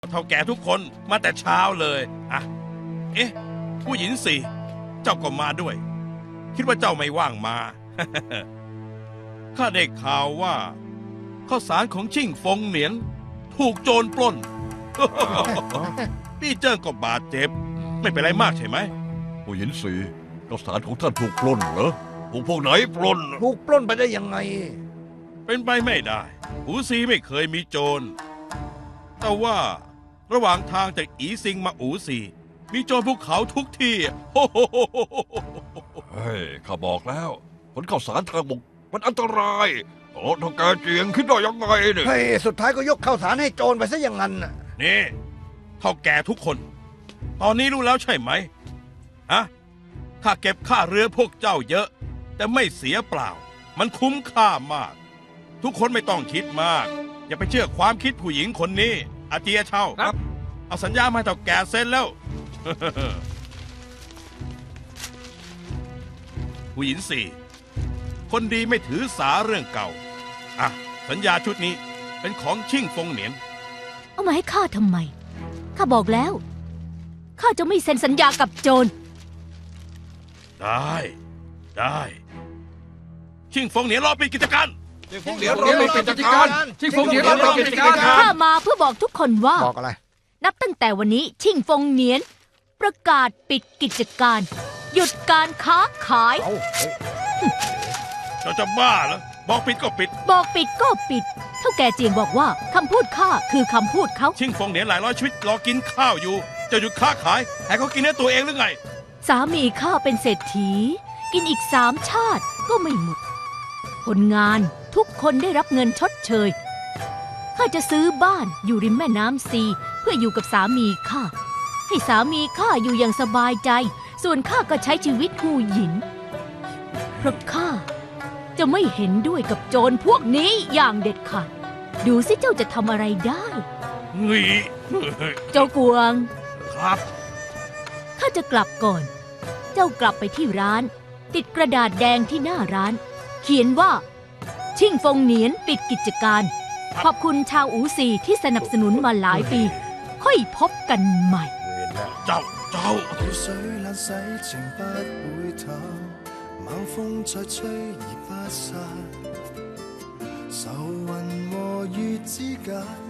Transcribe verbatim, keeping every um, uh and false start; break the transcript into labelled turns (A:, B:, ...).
A: เท่าแก่ทุกคนมาแต่เช้าเลยอ่ะเอ๊ะผู้หญิงสี่เจ้าก็มาด้วย คิดว่าเจ้าไม่ว่างมา ข้าได้ข่าวว่าข้าวสารของชิ่งฟงเหนียน ถูกโจรปล้น พี่เจิ้งก็บาดเจ็บ ไม่เป็นไรมากใช่ไหม
B: ผู้หญิงสีข้าวสารของท่านถูกปล้นเหรอพวกพวกไหนปล้น
C: ถูกปล้นไปได้ยังไง
A: เป็นไปไม่ได้หูซีไม่เคยมีโจร แต่ว่าระหว่างทางจากอีซิงมาอูซีมีโจรภูเขาทุกที่ โอ้โห
B: เฮ้ยข้าบอกแล้วขนข้าวสารทางบกมันอันตรายโอ้ทางแกเจียงคิดได้ยังไงเนี่ย
C: เฮ้ย สุดท้ายก็ยกข้าวสารให้โจรไปซะอย่างนั้นน่ะ
A: นี่เท่าแก่ทุกคน ตอนนี้รู้แล้วใช่ไหมฮะข้าเก็บค่าเรือพวกเจ้าเยอะ แต่ไม่เสียเปล่า มันคุ้มค่ามาก ทุกคนไม่ต้องคิดมาก อย่าไปเชื่อความคิดผู้หญิงคนนี้ อาเจียเช่า
B: ครับ
A: เอาสัญญามาให้เท่าแก่เซ็นแล้ว ผู้หญิงสี่คนดีไม่ถือสาเรื่องเก่า อ่ะ สัญญาชุดนี้เป็นของชิ่งฟงเหนียน
D: เอามาให้ข้าทำไม ข้าบอกแล้ว ข้าจะไม่เซ็นสัญญากับโจร
A: ได้ ได้ ชิ่งฟงเหนียนรอปิดกิจการ
B: เดี๋ยวเราไปเป็นจัดการ
C: ชิงฟงเดี๋ยวเราไปเป็นจัดการ
D: ข้ามาเพื่อบอกทุกคนว่า
C: บอกอะไร
D: นับตั้งแต่วันนี้ชิ่งฟงเหนียน ประกาศปิดกิจการ หยุดการค้าขาย
C: เอาเฮ้ย
A: เจ้าจะบ้าเหรอ บอกปิดก็ปิด
D: บอกปิดก็ปิด เท่าแก่เจียงบอกว่าคำพูดข้าคือคำพูดเขา
A: ชิ่งฟงเหนียนหลายร้อยชีวิตรอกินข้าวอยู่ จะหยุดค้าขาย ให้เขากินเนื้อตัวเองหรือไง
D: สามีข้าเป็นเศรษฐี กินอีกสามชาติก็ไม่หมด คนงานทุกคนได้รับเงินชดเชย ข้าจะซื้อบ้านอยู่ริมแม่น้ำซีเพื่ออยู่กับสามีข้า ให้สามีข้าอยู่อย่างสบายใจ ส่วนข้าก็ใช้ชีวิตหูหยิน เพราะข้าจะไม่เห็นด้วยกับโจรพวกนี้อย่างเด็ดขาด ดูสิเจ้าจะทำอะไรได้
A: เฮ้ย
D: เจ้ากวง
A: ครับ
D: ข้าจะกลับก่อน เจ้ากลับไปที่ร้าน ติดกระดาษแดงที่หน้าร้าน เขียนว่า ชิ่งฟงเหนียนปิดกิจการ ขอบคุณชาวอูซีที่สนับสนุนมาหลายปี ค่อยพบกันใหม่
A: เจ้า เจ้า
E: 雨水冷洗情不會淡，猛風再吹而不散，愁雲和月之間。